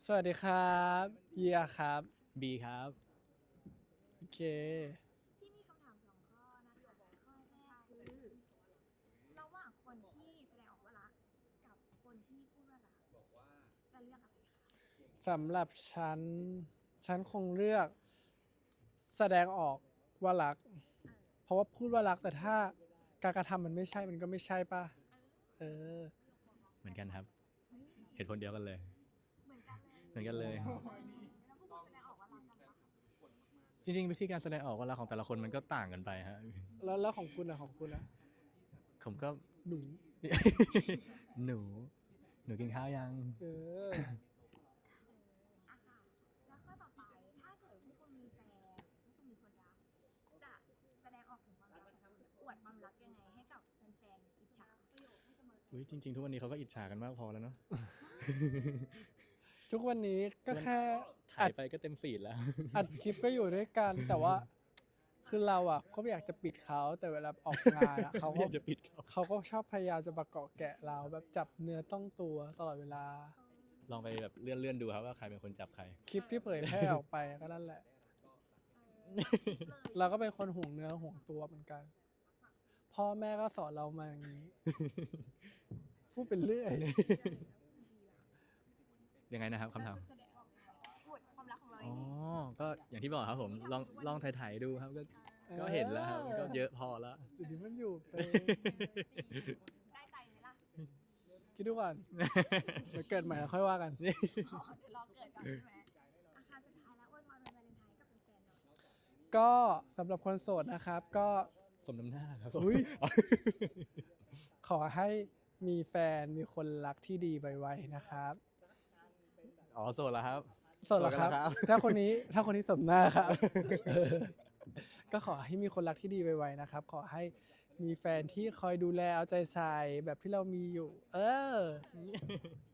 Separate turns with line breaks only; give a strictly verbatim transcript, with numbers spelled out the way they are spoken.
สวัสดีครับเยียครับ
บีครับ
โอเค
พี่มีคำถามสองข้อนะคะข้อแรกคือระหว่างคนที่แสดงออกว่ารักกับคนที่พูดว่ารักจะเลือกอะไรคะ
สำหรับฉัน ฉันคงเลือกแสดงออกว่ารัก เพราะว่าพูดว่ารักแต่ถ้าการกระทำมันไม่ใช่มันก็ไม่ใช่ป่ะ เออ
เหมือนกันครับ
เฮ้ย
เหตุผลเดียวกันเลย
เหมือนกันเลย
เหมือนกันเลย
แล้วพวกคุณแสดงออกว่ารักกันปะ
จริงๆวิธีการแสดงออกว่ารักของแต่ละคนมันก็ต่างกันไปฮะ
แล้วแล้วของคุณอะของคุณอะ
ผมก็
หนู
หนู หนูกินข้าวยัง
เออ
อ่ะค่ะแล้วข้อต่อไปถ้าเกิดพวกคุณมีแฟนพวกคุณมีคนรักจะแสดงออกถึงความรักของคุณอวดความรักยังไงให้กับแฟนๆอิจฉา
อุ้ยจริงๆ ทุกวันนี้เขาก็อิจฉากันมากพอแล้วเนาะ
ทุกวันนี้ก็แค่
ถ่ายไปก็เต็มฟีดแล้ว
อัดคลิปก็อยู่ด้วยกัน แต่ว่า คือเราอะก็ไม่อยากจะปิดเขาแต่เวลาออกงานอะเขา
ไม่
ก็
อยากจะปิดเขา
เขาก็ชอบพยายามจะมาเกาะแกะเราแบบจับเนื้อต้องตัวตลอดเวลา
ลองไปแบบเลื่อนๆดูครับว่าใครเป็นคนจับใคร
คลิปที่เผยแพร่ออกไปก็นั่นแหละ
เลย
เราก็เป็นคนห่วงเนื้อห่วงตัวเหมือนกัน พ่อแม่ก็สอนเรามาอย่างนี้ พูดเป็นเรื่อย
ยังไงนะครับคำถาม
แสดงออกอวดความรักของเรา
อ๋
ยั
อ
งไง
ก็อย่างที่บอกครับผม ลองลองถ่ายๆดูครับก็ก็เห็นแล้วครับมันก็เยอะพอแล้ว
เดี๋ยวนี้มันอยู่เป็น
ได้ใจไหมล่ะ
คิดดูก่อนเดี๋ยวเกิดใหม่แล้วค่อยว่ากัน
อ๋อเดี๋ยวรอเกิดก่อนใช่ไหมอาคารสุดท้ายแล้วอวยพรวันวาเลนไทน์กับแฟนๆหน่อย
ก็สำหรับคนโสดนะครับ ก็
สมน้ำหน้าครับ
อุ๊ย ขอให้มีแฟนมีคนรักที่ดีไวๆนะครับ
อ๋อโสดแล้วครับ
โสดเหรอครับ
โสดแล้วครับ
ถ้าคนนี้ถ้าคนนี้สมหน้าครับ เออก็ขอให้มีคนรักที่ดีไวๆนะครับ ขอให้มีแฟนที่คอยดูแลเอาใจใส่แบบที่เรามีอยู่ เออ